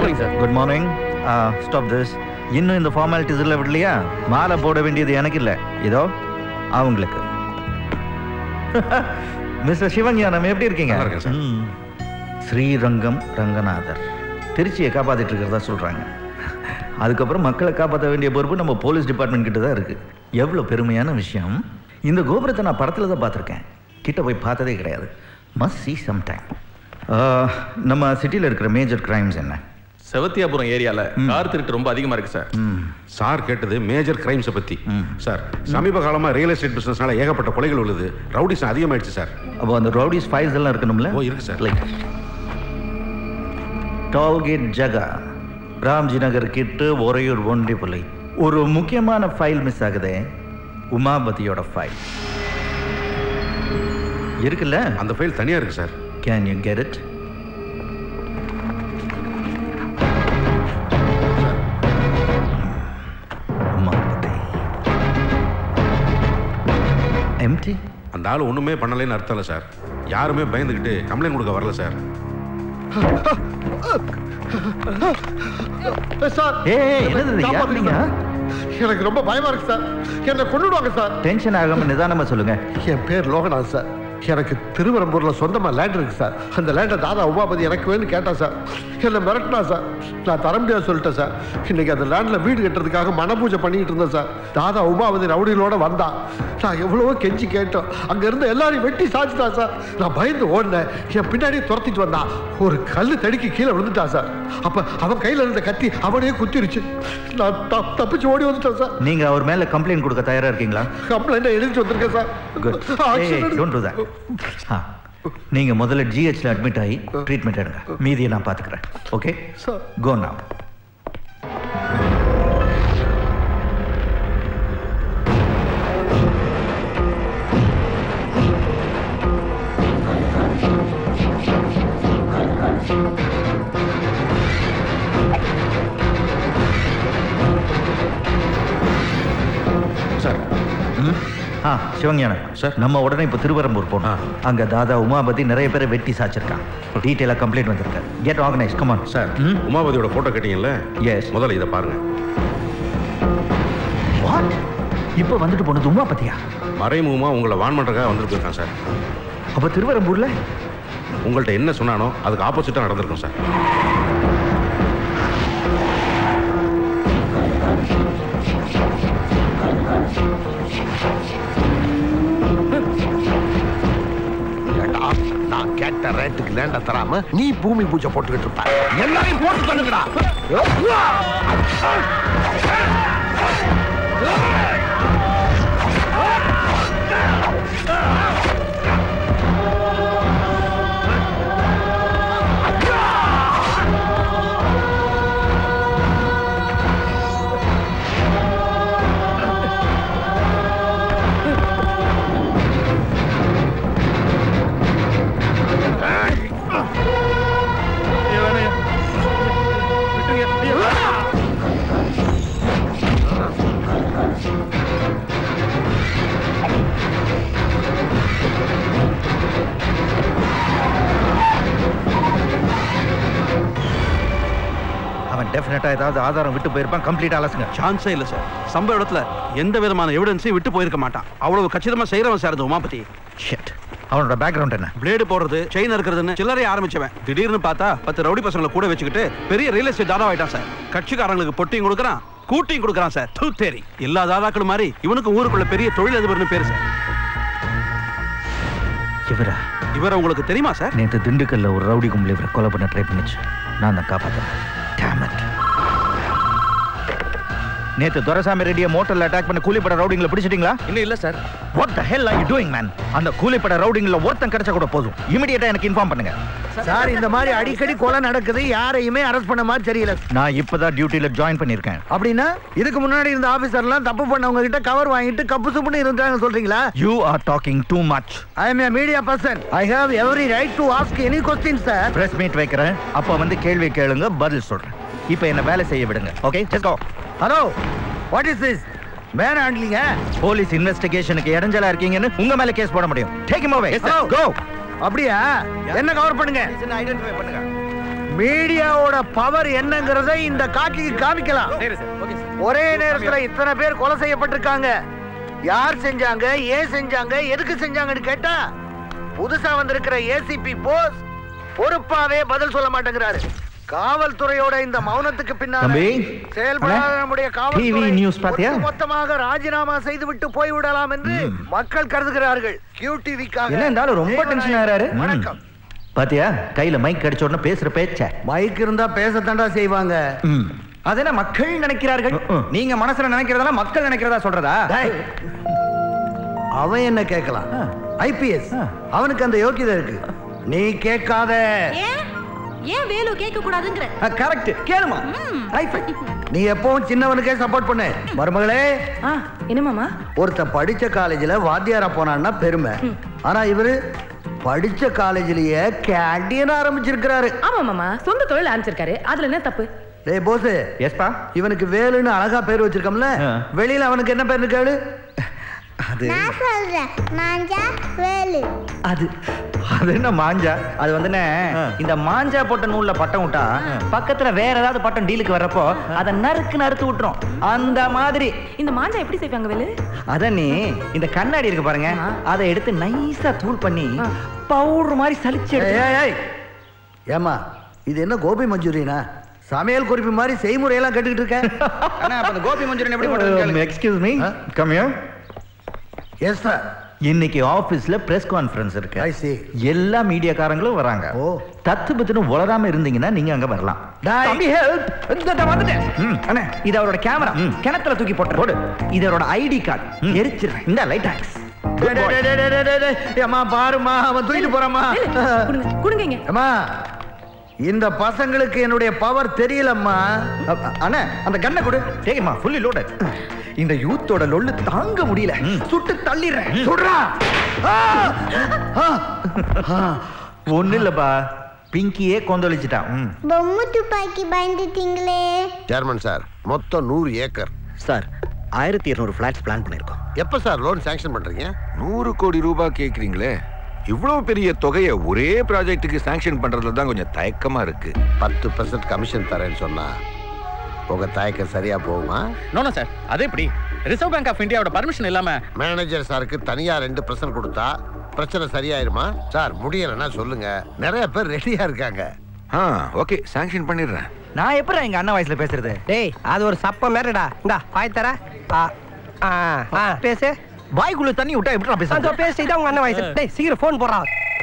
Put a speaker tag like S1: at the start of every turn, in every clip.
S1: Morning sir.
S2: Good morning. Stop this. இன்னும் இந்த formalities இல்லை விடலையா? மாலை போட வேண்டியது எனக்கு இல்லை, இதோ அவங்களுக்கு. மிஸ்டர் சிவஞானம் எப்படி இருக்கீங்க? ஸ்ரீரங்கம் ரங்கநாதர் திருச்சியை காப்பாற்றிட்டு இருக்கிறதா சொல்கிறாங்க. அதுக்கப்புறம் மக்களை காப்பாற்ற வேண்டிய பொறுப்பு நம்ம போலீஸ் டிபார்ட்மெண்ட் கிட்ட தான் இருக்குது. எவ்வளோ பெருமையான விஷயம். இந்த கோபுரத்தை நான் படத்தில் தான் பார்த்துருக்கேன், கிட்ட போய் பார்த்ததே கிடையாது. Must see sometime. நம்ம சிட்டியில் இருக்கிற மேஜர் கிரைம்ஸ் என்ன?
S1: செவத்தியாபுரம் ஏரியால கார் திருட்டு ரொம்ப அதிகமா இருக்கு சார்.
S3: சார் கேட்டது மேஜர் கிரைம்ஸை பற்றி. சார் சமீப காலமாக ரியல் எஸ்டேட் பிஸ்னஸ்னால ஏகப்பட்ட கொலைகள் உள்ளது, ரவுடிஸ் அதிகமாயிடுச்சு சார்.
S2: அப்போ அந்த ரவுடிஸ் ஃபைல்ஸ் எல்லாம் இருக்கணும்ல?
S3: ஓ இருக்கு சார்.
S2: லைக் டோல்கேட் ஜகா, ராம்ஜி நகர் கிட்டு ஒரையூர் ஒண்டிப்புலை. ஒரு முக்கியமான ஃபைல் மிஸ் ஆகுதே, உமாபதியோட ஃபைல் இருக்குல்ல?
S3: அந்த ஃபைல் தனியாக இருக்கு sir.
S2: Can you get it? Umapathi MD.
S3: அந்த ஆள் ஒன்றுமே பண்ணலைன்னு அர்த்தம் இல்லை சார். யாருமே பயந்துக்கிட்டு கம்ப்ளைண்ட் கொடுக்க வரல சார்.
S4: எனக்கு ரொம்ப பயமா இருக்கு சார். என்ன கொண்டுடுவாங்க சார்.
S2: டென்ஷன் ஆகாம நிதானமா சொல்லுங்க.
S4: என் பேர் லோகநாத் சார். எனக்கு திருவரம்பூர்ல சொந்தமா லேண்ட் இருக்கு சார். அந்த லேண்டை தாதா உமாபதி எனக்கு வேணும்னு கேட்டா சார். என்ன மிரட்டினா சார். நான் தர முடியாது சொல்லிட்டேன் சார். இன்னைக்கு அந்த லேண்ட்ல வீடு கட்டுறதுக்காக மனபூஜை பண்ணிட்டு இருந்தேன் சார். தாதா உமாபதி ரவுடிகளோட வந்தா. நான் எவ்வளவோ கெஞ்சி கேட்டோம். அங்க இருந்து எல்லாரையும் வெட்டி சாச்சிட்டா சார். நான் பயந்து ஓடினேன். என் பின்னாடியே துரத்திட்டு வந்தான். ஒரு கல்லு தடுக்கி கீழே விழுந்துட்டா சார். அப்ப அவன் கையில இருந்த கத்தி அவனையே குத்திருச்சு. நான் தப்பிச்சு ஓடி வந்துட்டேன் சார்.
S2: நீங்க அவர் மேல கம்ப்ளைண்ட் கொடுக்க தயாரா இருக்கீங்களா?
S4: கம்ப்ளைண்ட் எழுதிட்டு வந்திருக்கேன் சார்.
S2: Don't to that. நீங்க முதல்ல ஜிஹெச்ல அட்மிட் ஆகி ட்ரீட்மெண்ட் எடுங்க. மீதியை நான் பாத்துக்கிறேன். Okay
S4: sir.
S2: கோ நவ.
S3: சார்
S2: சிவஞானம்
S3: சார்,
S2: நம்ம உடனே இப்போ திருவரம்பூர் போனோம். அங்க தாதா உமாபதி நிறைய பேரை வெட்டி சாச்சிருக்கான். டீட்டெயிலாக கம்ப்ளைண்ட் வந்திருக்கு. Get organise. Come on.
S3: Sir உமாபதியோட போட்டோ கேட்டீங்கல்ல?
S2: எஸ்.
S3: முதல்ல இதை பாருங்க.
S2: வாட்? இப்போ வந்துட்டு போனது உமாபதியா?
S3: மறைமுகமா உங்களை வான் பண்றதுக்காக வந்துட்டு போயிருக்கான் சார்.
S2: அப்போ திருவரம்பூர்ல
S3: உங்கள்கிட்ட என்ன சொன்னானோ அதுக்கு ஆப்போசிட்டா நடந்திருக்கும் சார்.
S4: நான் கேட்ட ரேட்டுக்கு லேண்ட தராம நீ பூமி பூஜை போட்டுக்கிட்டு இருப்ப. எல்லாரையும் போட்டு தள்ளுங்கடா.
S2: டெஃபினட்டா ஏதாவது ஆதாரம் விட்டு போயிருப்பான். கம்ப்ளீட் அலசுங்க.
S5: சான்ஸே இல்லை சார். சம்பவ இடத்துல எந்த விதமான எவிடன்ஸையும் விட்டு போயிருக்க மாட்டான். அவ்வளவு கச்சிதமா செய்யறவன் சார் அந்த உமாபதி.
S2: ஷிட். அவனோட பேக்ரவுண்ட் என்ன?
S5: பிளேடு போடுறது, செயின் இருக்கிறதுன்னு சில்லறைய ஆரம்பிச்சவன் திடீர்னு பார்த்தா 10 ரவுடி பசங்களை கூட வச்சுக்கிட்டு பெரிய ரியல் எஸ்டேட் தாதா ஆயிட்டான் சார். கட்சிக்காரங்களுக்கு பொட்டியும் கொடுக்குறான், கூட்டியும் கொடுக்குறான் சார். தூத்தேரி எல்லா தாதாக்களும் மாதிரி இவனுக்கு ஊருக்குள்ள பெரிய தொழிலதிபர்னு பேரு சார். இவரை உங்களுக்கு தெரியுமா சார்?
S2: நேற்று திண்டுக்கல்ல ஒரு ரவுடி கும்பல் இவரை கொலை பண்ண ட்ரை பண்ணிச்சு. நான் தான் காப்பாற்றேன். நேத்து துரைசாமி ரெட்டியை மோட்டர்ல அட்டாக் பண்ண கூலிப்பட ரவுடிங்களை பிடிச்சிட்டீங்களா?
S1: இன்னும் இல்ல sir.
S2: What the hell are you doing man? அந்த கூலிப்பட ரவுடிங்கள ஒருத்தன் கிடைச்சா கூட போதும். இமிடியேட்டா எனக்கு இன்ஃபார்ம் பண்ணுங்க.
S6: சார் இந்த மாதிரி அடிக்கடி கொலை நடக்குது, யாரையுமே அரெஸ்ட் பண்ண மாதிரி தெரியல.
S2: நான் இப்பதான் டியூட்டில ஜாயின் பண்ணிருக்கேன்.
S6: அப்படின்னா இதுக்கு முன்னாடி இருந்த ஆபீசர்லாம் தப்பு பண்ணவங்க கிட்ட கவர் வாங்கிட்டு கப்பு சுப்புன்னு இருந்தாங்க சொல்றீங்களா?
S2: You are talking too much.
S6: I am a media person. I have every right to ask any questions sir.
S2: Press meet வைக்கிறேன். அப்ப வந்து கேள்வி கேளுங்க, பதில் சொல்றேன். இப்போ என்ன வேலை செய்ய விடுங்க. Okay, let's go.
S6: Hello, what is this? Man ஹேண்ட்லிங்க
S2: போலீஸ் இன்வெஸ்டிகேஷனுக்கு இடைஞ்சலா இருக்கீங்கன்னு உங்க மேல கேஸ் போட முடியும். Take him away. கோ.
S6: அப்படியா? என்ன கவர் பண்ணுங்க.
S2: ஐடென்டிஃபை பண்ணுங்க.
S6: மீடியாவோட பவர் என்னங்கறத இந்த காட்சிக்கு காமிக்கலாம். ஒரே நேரத்துல இத்தனை பேர் கொலை செய்யப்பட்டிருக்காங்க. யார் செஞ்சாங்க, ஏன் செஞ்சாங்க, எதுக்கு செஞ்சாங்கன்னு கேட்டா புதுசா வந்திருக்கிற ஏசிபி போஸ் பொறுப்பாவே பதில் சொல்ல மாட்டேங்கிறாரு. காவல்துறையோட இந்த மௌனத்துக்கு பின்னால செயல்படாத நம்முடைய காவல்துறை மொத்தமாக ராஜினாமா செய்துவிட்டு போய்விடலாம் என்று மக்கள் கருதுகிறார்கள். QTV-க்காக
S2: என்ன இருந்தாலும் ரொம்ப டென்ஷன் ஆறாரு.
S6: வணக்கம்.
S2: பாத்தியா கையில மைக் கிடைச்ச உடனே பேசுற பேச்ச.
S6: மைக் இருந்தா பேசத்தாண்டா செய்வாங்க.
S2: அதென்ன மக்கள் நினைக்கிறார்கள். நீங்க மனசுல நினைக்கிறதெல்லாம் மக்கள் நினைக்கிறதா சொல்றதா?
S6: அவன் என்ன கேட்கலாம்? IPS அவனுக்கு அந்த யோக்கியதை இருக்கு. நீ கேட்காத.
S7: ஏன் வேலு கேட்க கூடாதுங்கற?
S2: கரெக்ட், கேளுமா.
S6: நீ எப்பவும் சின்னவனுக்கே சப்போர்ட் பண்ணு. மருமகளே,
S7: என்ன மாமா?
S6: ஒருத்த படிச்ச காலேஜ்ல வாத்தியாரா போனான்னா பெருமை. ஆனா இவரு படிச்ச காலேஜ்லயே கேண்டீன் ஆரம்பிச்சிருக்காரு.
S7: ஆமா மாமா, சொந்த தொழில் ஆரம்பிச்சிருக்காரு. அதுல என்ன தப்பு?
S6: டேய் போஸ்,
S2: எஸ்பா.
S6: இவனுக்கு வேலுன்னு அழகா பேர் வச்சிருக்கோம்ல, வெளியில அவனுக்கு என்ன பேர் கேளு?
S2: அது
S8: நான் சொல்றேன், மாஞ்சா வேலு.
S2: அது என்ன மாஞ்சா?
S9: அது வந்துனே இந்த மாஞ்சா போட்ட நூல்ல பட்டம் விட்டா பக்கத்துல வேற ஏதாவது பட்டம் டீலுக்கு வர்றப்போ அதை நறுத்து விட்டுரும். அந்த மாதிரி
S7: இந்த மாஞ்சா எப்படி செய்வாங்க வேலு?
S9: அத நீ இந்த கண்ணாடி இருக்கு பாருங்க, அதை எடுத்து நைஸா தூள் பண்ணி பவுடர் மாதிரி சலிச்சு
S6: ஏமா இது என்ன கோபி மஞ்சூரியனா? சமையல் குறிப்பு மாதிரி செய்முறையெல்லாம் கேட்டுக்கிட்டு இருக்க.
S9: ஆனா அப்ப அந்த கோபி மஞ்சூரியன் எப்படி பண்றது?
S2: Excuse me, come here.
S6: Yes sir.
S2: இன்னைக்கு ஆபீஸ்ல பிரஸ் கான்ஃபரன்ஸ் இருக்கு.
S6: I see.
S2: எல்லா மீடியாக்காரங்களும் வராங்க.
S6: ஓ.
S2: தத்து பத்துன்னு உளராம இருந்தீங்கன்னா நீங்க அங்க வரலாம்.
S9: தம்பி ஹெல்ப். இந்த வந்துட்டேன். அண்ணே இது அவரோட கேமரா. கிணத்துல தூக்கி போடு. இது அவரோட ஐடி கார்டு. எரிச்சிடுறேன். இந்த லைட் ஆக்ஸ்.
S6: அம்மா பாருமா, அவன் தூக்கிட்டு போறாமா.
S7: குடுங்க.
S6: அம்மா இந்த பசங்களுக்கு என்னுடைய பவர் தெரியலம்மா.
S9: அண்ணே அந்த கண்ணை கொடு.
S2: டேய்மா, ஃபுல்லி லோடட்.
S9: இந்த யூத்தோட லொல்லு தாங்க முடியல. சுட்டு தள்ளிடுறேன்.
S6: சுடுறா.
S2: ஒண்ணு இல்லப்பா, பிங்கியே கொந்தளிச்சிட்டான்.
S8: பொம்மை துப்பாக்கி பயந்துட்டீங்களே.
S4: சேர்மன் சார், மொத்தம் 100 ஏக்கர்
S9: சார். 1200 ஃபிளாட்ஸ் பிளான் பண்ணிருக்கோம்.
S4: எப்ப சார் லோன் சாங்ஷன் பண்றீங்க?
S10: 100 கோடி ரூபாய் கேக்குறீங்களே, இவ்வளவு பெரிய தொகையை ஒரே ப்ராஜெக்ட்டுக்கு சாங்ஷன் பண்றதுல தான் கொஞ்சம் தயக்கமா இருக்கு.
S4: 10% கமிஷன் தரேன்னு சொன்னா உங்க தயக்கம் சரியா போகுமா?
S1: நோ சார், அது எப்படி? ரிசர்வ் பேங்க் ஆஃப் இந்தியாவோட பர்மிஷன் இல்லாம
S4: மேனேஜர் சாருக்கு தனியா 2% கொடுத்தா பிரச்சனை சரியாயிருமா? சார் முடியலன்னா சொல்லுங்க, நிறைய பேர் ரெடியா இருக்காங்க.
S10: ஓகே, சாங்ஷன் பண்ணிடுறேன்.
S9: நான் எப்படி எங்க அண்ணன் வயசுல பேசுறது?
S11: டேய் அது ஒரு சப்ப மேரடா. இந்தா பாய் தர. பேசு.
S9: வாய்க்குள்ள தண்ணி விட்டா எப்படி பேசுறது?
S11: அந்த பேசு, இதான் உங்க அண்ணன் வயசு. டேய் சீக்கிரம் ஃபோன் போடுறா.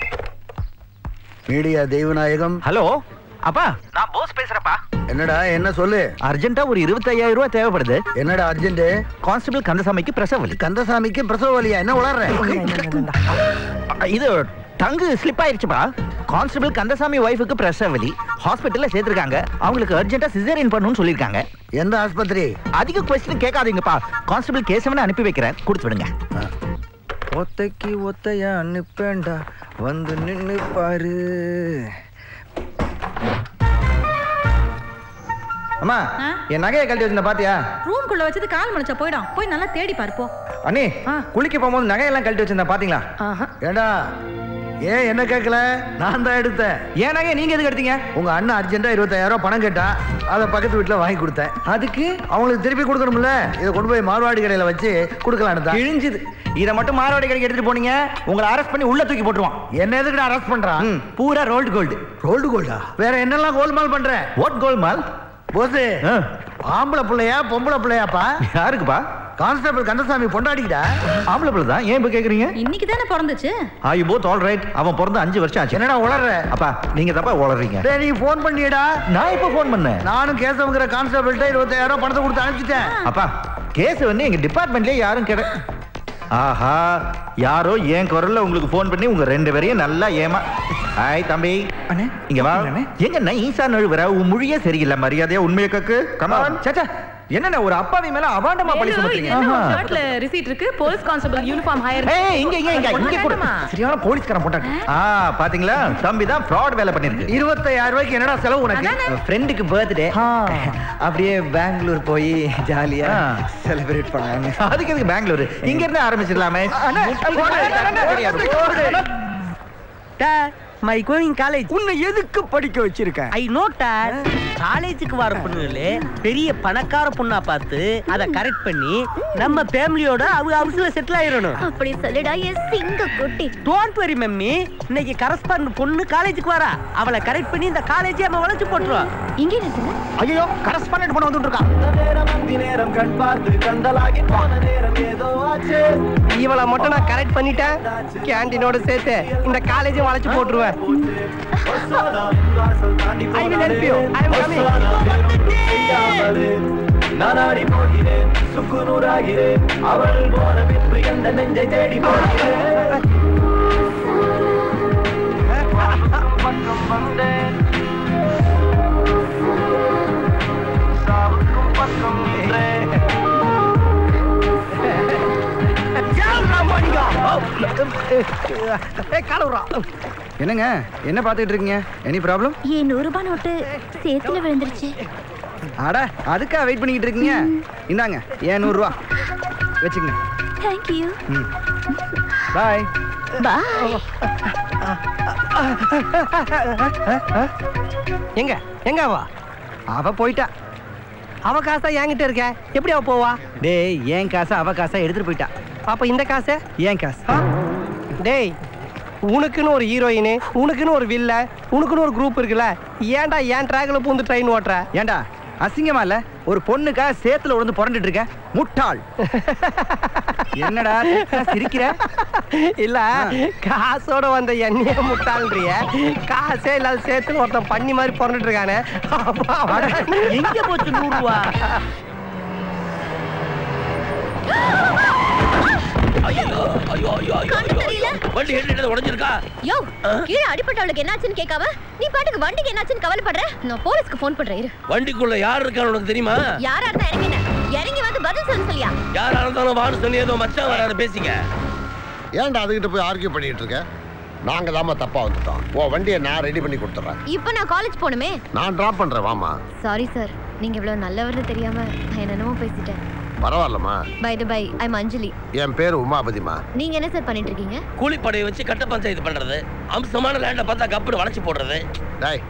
S6: மீடியா தெய்வநாயகம்.
S9: ஹலோ அப்பா, நான் போஸ் பேசுறப்பா.
S6: என்னடா, என்ன சொல்லு.
S2: அர்ஜென்ட்டா ஒரு 25,000 ரூபாய் தேவைப்படுது.
S6: என்னடா அர்ஜென்ட்?
S2: கான்ஸ்டபிள் கந்தசாமிக்கு பிரசவ வலி.
S6: கந்தசாமிக்கு பிரசவ வலியா? என்ன உளறற?
S2: இது டங்கு ஸ்லிப் ஆயிருச்சுப்பா. கான்ஸ்டபிள் கந்தசாமி வைஃபுக்கு பிரசவ வலி. ஹாஸ்பிட்டல்ல சேர்த்திருக்காங்க. அவங்களுக்கு அர்ஜென்ட்டா சிசேரியன் பண்ணணும்னு சொல்லிருக்காங்க.
S6: எந்த ஆஸ்பத்திரி?
S2: அதிக கொஸ்டின் கேட்காதீங்கப்பா. கான்ஸ்டபிள் கேசவனை அனுப்பி வைக்கிறேன், கொடுத்து விடுங்க.
S9: ஒத்தைக்கு ஒத்தையா அனுப்பேண்டா, வந்து நின்னு பாரு. அம்மா, என் நகையை கழட்டி வச்சிருந்த பாத்தியா?
S7: ரூம்குள்ள வச்சது கால் மணிச்சா போய்டும். போய் நல்லா தேடி பாருப்போ.
S9: அண்ணே, குளிக்க போகும்போது நகையெல்லாம் கழட்டி வச்சிருந்தா பாத்தீங்களா?
S6: ஏண்டா, ஏன் என்ன கேட்கல? நான் தான் எடுத்தேன்.
S9: ஏன் நகையை நீங்க எதுக்கு எடுத்தீங்க?
S6: உங்க அண்ணன் அர்ஜென்ட்டா 25,000 ரூபாய் பணம் கேட்டா, அதை பக்கத்து வீட்டுல வாங்கி கொடுத்தேன்.
S9: அதுக்கு
S6: அவங்களுக்கு திருப்பி கொடுக்கணும்ல, இதை கொண்டு போய் மார்வாடி கடையில வச்சு கொடுக்கலான்னு தான்.
S9: கிழிஞ்சுது. இதை மட்டும் மார்வாடி கடைக்கு எடுத்துட்டு போனீங்க, உங்களை அரெஸ்ட் பண்ணி உள்ள தூக்கி போட்டுருவான்.
S6: என்ன எதுக்கு அரெஸ்ட் பண்றான்?
S9: பூரா ரோல்டு கோல்டு.
S6: ரோல்டு கோல்டா? வேற என்னெல்லாம் கோல்மால் பண்ற?
S2: வாட் கோல்மால்?
S6: போஸ், ஆம்பளை பிள்ளையா பொம்பளை பிள்ளையாப்பா?
S2: யாருக்குப்பா?
S6: கான்ஸ்டபிள் கந்தசாமி பொண்டாடிக்கிட்டா.
S2: ஆம்பளை பிள்ளை தான். ஏன் இப்ப கேக்குறீங்க?
S7: இன்னைக்கு தானே பிறந்துச்சு.
S2: Are you both all right? அவன் பிறந்து 5 வருஷம் ஆச்சு.
S6: என்னடா உளறற?
S2: அப்பா, நீங்க தப்பா உளறீங்க.
S6: டேய், நீ ஃபோன் பண்ணியடா.
S2: நான் இப்ப ஃபோன் பண்ணேன்.
S6: நானும் கேசவங்கிற கான்ஸ்டபிள்ட்ட 25,000 ரூபாய் பணத்தை கொடுத்து அனுப்பிச்சிட்டேன்.
S2: அப்பா, கேஸ் வந்து எங்க டிபார்ட்மெண்ட்லயே யாரும் கேட. ஆஹா, யாரோ ஏன் குரல்ல உங்களுக்கு ஃபோன் பண்ணி உங்க 2 பேரையும் நல்லா ஏமா. ஹாய் தம்பி,
S9: அண்ணே
S2: இங்க வா. எங்க நைஸா நழுவுற? உன் மொழியே சரியில்லை. மரியாதையா உண்மையை கக்கு. கமான்.
S9: சச்சா, என்னண்ணே ஒரு அப்பாவி மேல அபாண்டமா பழி சுமத்துறீங்க?
S7: ஷர்ட்ல ரிசீட் இருக்கு. Police constable uniform hire.
S2: ஏய், இங்க கூட
S9: சரியான போலீஸ்காரன் போட்டாங்க.
S2: பாத்தீங்களா, தம்பி தான் ஃப்ராட் வேலை பண்ணிருக்கு.
S6: 25,000 ரூபாய்க்கு என்னடா செலவு உனக்கு?
S9: ஃப்ரெண்டுக்கு பர்த்டே, அப்படியே பெங்களூர் போய் ஜாலியா செலிப்ரேட் பண்ணாங்க.
S2: அதுக்கு எதுக்கு பெங்களூர்? இங்க இருந்து ஆரம்பிச்சிடலாமே.
S11: My going college.
S6: உன்னை எதுக்கு படிக்க வச்சிருக்கேன்?
S11: ஐ நோட் காலேஜுக்கு வர பொண்ணுகளே பெரிய பணக்கார பொண்ணா பார்த்து அதை கரெக்ட் பண்ணி நம்ம ஃபேமிலியோட ஹவுஸ்ல செட்டில் ஆயிரணும்.
S8: அப்படி சொல்லுடா என் சிங்க குட்டி.
S11: டோன்ட் வரி மம்மி, இன்னைக்கு கரஸ்பாண்ட் பொண்ணு காலேஜுக்கு வரா. அவளை கரெக்ட் பண்ணி இந்த காலேஜே நம்ம வளைச்சு போட்டுருவோம்.
S8: இங்கே நிறுத்துங்க.
S6: ஐயோ கரஸ்பாண்டன்ட் பண்ண வந்துட்டு இருக்கா.
S11: இவளை மட்டும் நான் கரெக்ட் பண்ணிட்டேன், கேண்டீனோட சேர்த்து இந்த காலேஜும் வளைச்சு போட்டுருவேன். I will help you. I am coming.
S12: நானாடி போகிறேன் சுக்குநூறாகிறேன் அவள் போன பின்பு எந்த நெஞ்சை தேடி போகிறேன். பக்கம் வந்தேன் சாவுக்கும் பக்கம் நின்றேன்.
S6: என்னங்க என்ன பார்த்துட்டு இருக்கீங்க? Any problem?
S8: என் 100 ரூபாய் நோட்டு சேத்துல விழுந்துருச்சு.
S6: அட அதுக்கா வெயிட் பண்ணிக்கிட்டு இருக்கீங்க? இந்தாங்க ஏன் 100 ரூபா வச்சுக்கங்க.
S8: Thank you.
S6: Bye
S8: bye.
S11: எங்க எங்க
S6: அவ போயிட்டா.
S11: அவ காசா என்கிட்ட இருக்க, எப்படி அவ போவா?
S6: டேய் ஏன் காசை அவ காசை எடுத்துட்டு போயிட்டா.
S11: அப்ப இந்த காசு
S6: ஏன் காசு?
S11: டேய் உனக்குன்னு ஒரு ஹீரோயின், உனக்குன்னு ஒரு வில்ல, உனக்குன்னு ஒரு குரூப் இருக்குல்ல, ஏன்டா ஏன் ட்ராக்ல பூந்து ட்ரெயின் ஓட்டுற?
S6: ஏன்டா அசிங்கமா இல்ல? ஒரு பொண்ணுக்கா சேத்துல உழுந்து புரண்டுட்டு இருக்க முட்டாள். என்னடா சிரிக்கிற?
S11: இல்ல காசோட வந்த எண்ணெய முட்டாள்ன்றிய, காசே இல்லாத சேத்துல ஒருத்தன் பண்ணி மாதிரி புரண்டுட்டு இருக்கானே. எங்க போச்சு 100 ரூபா?
S12: வண்டி ஹெட் உடைஞ்சிருக்கா?
S8: யோ கீழே அடிபட்டவளுக்கு என்னாச்சுன்னு கேட்காம நீ பாட்டுக்கு வண்டிக்கு என்னாச்சுன்னு கவலைப்படுற. நான் போலீஸ்க்கு ஃபோன் பண்றேன். இரு.
S12: வண்டிக்குள்ள யார் இருக்கான்னு உனக்கு தெரியுமா?
S8: யாரா இருந்தா இறங்கி வந்து பதில் சொல்ல சொல்லியா?
S12: யாரா இருந்தாலும் வான்னு சொல்லி ஏதோ மச்சான் வராரு பேசிங்க.
S4: ஏன்டா அதுகிட்ட போய் ஆர்கியூ பண்ணிட்டு இருக்க? நாங்க தாமா தப்பா வந்துட்டோம். ஓ வண்டியை நான் ரெடி பண்ணி கொடுத்துறேன்.
S8: இப்போ நான் காலேஜ் போணுமே.
S4: நான் டிராப் பண்றேன் வாமா.
S8: சாரி சார், நீங்க இவ்வளவு நல்லவர்னு தெரியாம நான் என்னென்னமோ பேசிட்டேன்.
S4: பரவாயில்லம்மா.
S8: பை த பை, ஐ அம் அஞ்சலி.
S4: என் பேர் உமாபதிமா.
S8: நீங்க என்ன சார் பண்ணிட்டு இருக்கீங்க?
S12: கூலிப்படையை வச்சு கட்ட பஞ்சாயத்து பண்றது, அம்சமான லேண்ட பார்த்தா கப்புடு வளைச்சு போடுறது.
S4: டேய்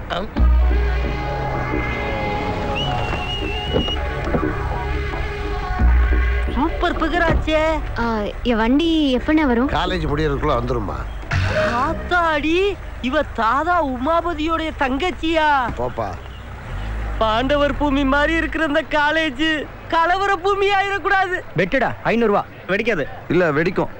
S11: சூப்பர் பிகராச்சே.
S8: என் வண்டி எப்பண்ணே வரும்?
S4: காலேஜ் முடியறதுக்குள்ள வந்துருமா.
S11: ஆத்தாடி, இவ தாதா உமாபதியோட தங்கச்சியா?
S4: போப்பா.
S11: பாண்டவர் பூமி மாதிரி இருக்கிற இந்த காலேஜ் கலவர பூமி ஆயிடக்கூடாது.
S6: வெட்டுடா 500 ரூபா. வெடிக்காது. இல்ல வெடிக்கும்.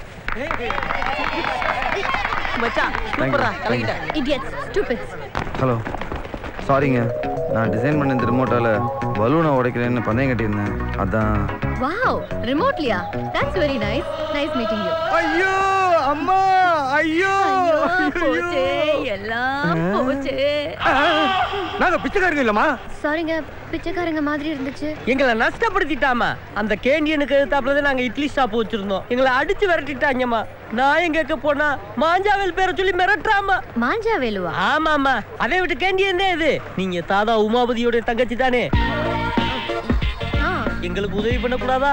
S11: மச்சான் சூப்பரா கலக்கிட்ட.
S8: Idiots, stupids.
S6: ஹலோ சாரிங்க, நான் டிசைன் பண்ண இந்த ரிமோட்டால பலூனை உடைக்கிறேன்னு பந்தயம் கட்டியிருந்தேன், அதான்.
S8: வாவ், ரிமோட்லியா? That's very nice. Nice meeting you.
S6: ஐயோ அம்மா, ஐயோ
S8: போச்சே, எல்லாம் போச்சே.
S6: நாங்க பிச்சைக்காரங்க இல்லம்மா.
S8: சாரிங்க, பிச்சைக்காரங்க மாதிரி இருந்துச்சு.
S11: எங்களை நஷ்டப்படுத்திட்டாமா. அந்த கேண்டியனுக்கு எதிர்த்தாப்புல நாங்க இட்லி ஷாப் வச்சிருந்தோம், எங்களை அடிச்சு விரட்டிட்டாங்கம்மா. நான் எங்க போனா மாஞ்சாவேல் பேரை சொல்லி மிரட்டுறாமா.
S8: மாஞ்சாவேலுவா?
S11: ஆமாமா, அதை விட்டு கேண்டியன் தான் இது. நீங்க தாதா உமாபதியோட தங்கச்சி தானே? எங்களுக்கு உதவி பண்ண கூடாதா?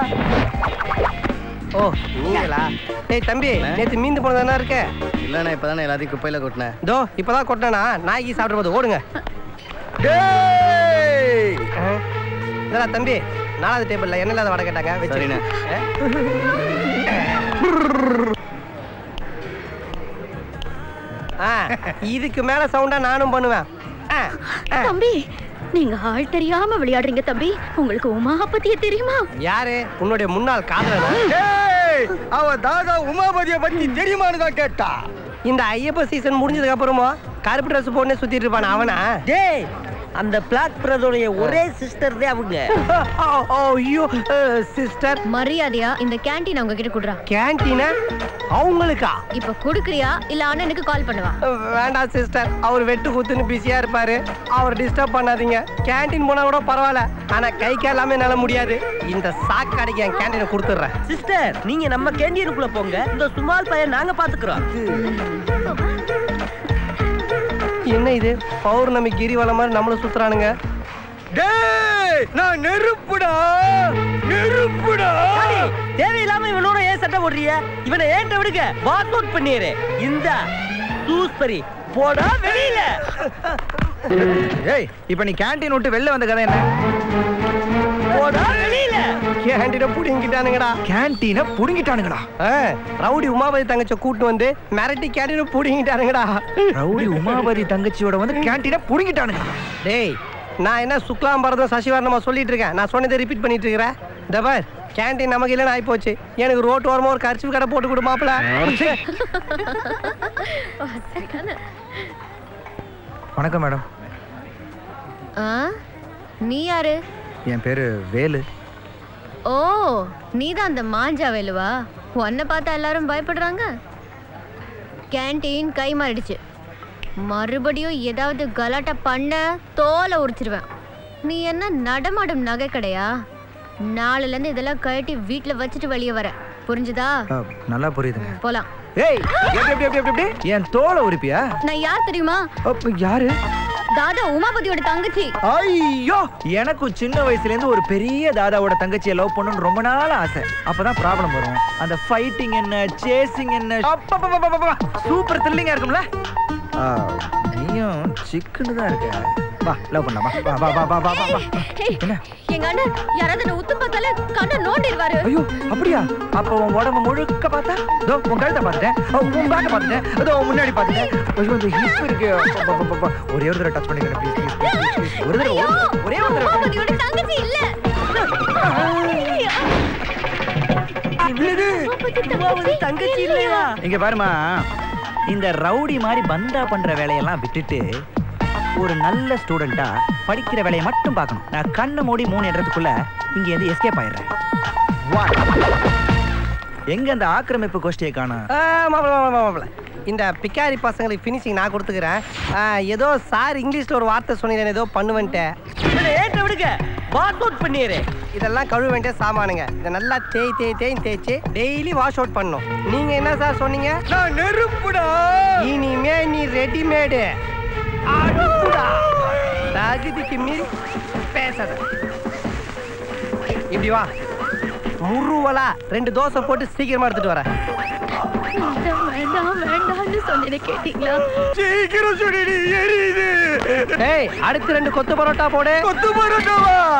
S11: ஓ நீங்களா? டேய் தம்பி, நேத்து மீந்து போனதானா இருக்க?
S6: இல்லண்ணா, இப்பதானே எல்லாத்தையும் குப்பையில கொட்டினேன்.
S11: தோ இப்பதான் கொட்டினா, நாய்க்கு சாப்பிடும் போது ஓடுங்க. இதா தம்பி, 4வது டேபிள்ல என்ன இல்லாத வடை கேட்டாங்க, வச்சுருங்க. இதுக்கு மேல சவுண்டா நானும் பண்ணுவேன்.
S8: தம்பி, நீங்க ஆள் தெரியாம விளையாடுறீங்க தம்பி. உங்களுக்கு உமா பத்திய தெரியுமா?
S11: யாரு? உன்னுடைய முன்னாள் காதலனா?
S6: அவ தாதா உமாபதிய பத்தி தெரியுமான்னு தான் கேட்டா.
S11: இந்த ஐயப்ப சீசன் முடிஞ்சதுக்கு அப்புறமா கருப்பு ட்ரெஸ் போட்டு சுத்திட்டு இருப்பான அவனா? டேய், அந்த பிளாக் பிரதோடைய ஒரே சிஸ்டர் தான் அவங்க. ஐயோ சிஸ்டர்,
S8: மரியாதையா இந்த கேண்டீன் அவங்க கிட்ட குடுறா.
S11: கேண்டீனா அவங்களுக்கா?
S8: இப்ப குடுக்குறியா இல்ல அண்ணனுக்கு கால் பண்ணுவா?
S11: வேண்டாம் சிஸ்டர், அவர் வெட்டு குத்துன்னு பிஸியா இருப்பாரு, அவர் டிஸ்டர்ப் பண்ணாதீங்க. கேண்டீன் போனா கூட பரவாயில்ல, ஆனா கை காலாமே என்னால முடியாது. இந்த சாக்கடைக்கு என் கேண்டீனை கொடுத்துட்றேன். சிஸ்டர், நீங்க நம்ம கேண்டீனுக்குள்ள போங்க, இந்த சுமால் பையன் நாங்க பாத்துக்கிறோம். என்ன இது பௌர்ணமி கிரிவலம் மாதிரி நம்மள சுத்துறானுங்க?
S6: டேய் நான் நெருப்புடா, நெருப்புடா.
S11: தேவையில்லாம இவனோட ஏன் சட்டை போடுறிய? இவனை ஏன்ட்ட விடுங்க, வாக் அவுட் பண்ணிடுறேன். இந்த சூஸ்பரி
S9: போடா வெளியில. ஏய் இப்போ நீ கேண்டீன் விட்டு வெளில வந்த கதை என்ன? போடா வெளியில.
S11: கேண்டீனை புடிங்கிட்டானுங்கடா.
S9: கேண்டீனை புடுங்கிட்டானுங்கடா.
S11: ரவுடி உமாபதி தங்கச்சி கூட்டு வந்து மிரட்டி கேண்டீனை புடிங்கிட்டானுங்கடா.
S9: ரவுடி உமாபதி தங்கச்சியோட வந்து கேண்டீனை புடுங்கிட்டானுங்க.
S11: டேய் நான் என்ன சுக்லாம் பரதம் சசிவர்ணமா சொல்லிட்டு இருக்கேன். நான் சொன்னதை ரிப்பீட் பண்ணிட்டு இருக்கிறேன். டபர் கேண்டீன் நமக்கு இல்லைன்னு ஆகி போச்சு. எனக்கு ரோட்டு ஓரமா ஒரு கர்ச்சிஃப் கடை போட்டு கொடு மாப்பிள.
S9: வணக்கம் மேடம்.
S8: நீ யாரு?
S9: என் பேரு வேலு.
S8: ஓ நீதான் அந்த மாஞ்சா வேலுவா? உன்னை பார்த்தா எல்லாரும் பயப்படுறாங்க. கேண்டீன் கை மாறிடுச்சு. மறுபடியும் ஏதாவது கலாட்டா பண்ண தோலை உரிச்சிருவேன். நீ என்ன நடமாடும் நகை கடையா? நாளைல இருந்து இதெல்லாம் கழட்டி வீட்டுல வச்சுட்டு வெளியே வர. புரிஞ்சுதா?
S9: நல்லா புரியுதுங்க.
S8: போலாம்.
S9: ஏய் எப்படி என் தோலை உரிப்பியா?
S8: நான் யார் தெரியுமா?
S9: யாரு?
S8: தாதா உமாபதியோட தங்கச்சி.
S9: ஐயோ எனக்கும் சின்ன வயசுல இருந்து ஒரு பெரிய தாதாவோட தங்கச்சியை லவ் பண்ணணும்னு ரொம்ப நாள் ஆசை. அப்பதான் ப்ராப்ளம் வரும். அந்த ஃபைட்டிங் என்ன, சேசிங் என்ன, சூப்பர் த்ரில்லிங்கா இருக்கும்ல. நீயும் சிக்கன்னு தான் இருக்க. வா லவ் பண்ணலாம். வா வா வா வா வா வா. என்ன
S8: எங்க அண்ணன் யாராவது என்ன உத்து பார்த்தாலே கண்ணை நோண்டிடுவாரு.
S9: ஐயோ அப்படியா? அப்ப உன் உடம்பு முழுக்க பார்த்தா இதோ உன் கழுத்தை பார்த்துட்டேன், உன் பேக்கை பார்த்துட்டேன், இதோ முன்னாடி பார்த்துட்டேன். ஐயோ இந்த ஹிப் இருக்கு. ஒரே ஒரு தடவை டச் பண்ணிக்கிறேன் ப்ளீஸ் ப்ளீஸ். ஒரு தடவை ஒரே ஒரு தடவை.
S8: உமாபதியோட தங்கச்சி இல்ல.
S9: தங்கச்சி இல்லையா? இங்க பாருமா, இந்த ரவுடி மாதிரி பந்தா பண்ற வேலையெல்லாம் விட்டுட்டு ஒரு நல்ல ஸ்டூடெண்டா படிக்கிற வேலையை மட்டும் பார்க்கணும். நான் கண்ணை மூடி 3 இடத்துக்குள்ள இங்க இருந்து எஸ்கேப் ஆயிடுறேன். எங்க அந்த ஆக்கிரமிப்பு கோஷ்டியை காணோம்?
S11: மாப்பிள இந்த பிக்காரி பசங்களுக்கு ஃபினிஷிங் நான் கொடுத்துக்கிறேன். ஏதோ சார் இங்கிலீஷ்ல ஒரு வார்த்தை சொன்னீங்க, ஏதோ பண்ணுவேன்ட்டேன்.
S9: ஏற்ற விடுங்க, வாஷ் அவுட் பண்ணிடு.
S11: இதெல்லாம் கழுவ வேண்டிய சாமானுங்க. இதை நல்லா தேய்ச்சி டெய்லி வாஷ் அவுட் பண்ணணும். நீங்க என்ன சார் சொன்னீங்க?
S9: நான் நெருப்புடா.
S11: இனிமே நீ ரெடிமேடு. தகுதிக்கு மீறி பேசாத. இப்படி வா, முருவலா 2 தோசை போட்டு சீக்கிரமா எடுத்துட்டு வரேன்.
S8: வேண்டாம்னு சொன்னேன் கேட்டீங்களா?
S9: சீக்கிரம் சொல்லி எரியுது.
S11: அடுத்து 2 கொத்து பரோட்டா போடு.
S9: கொத்து பரோட்டாவா?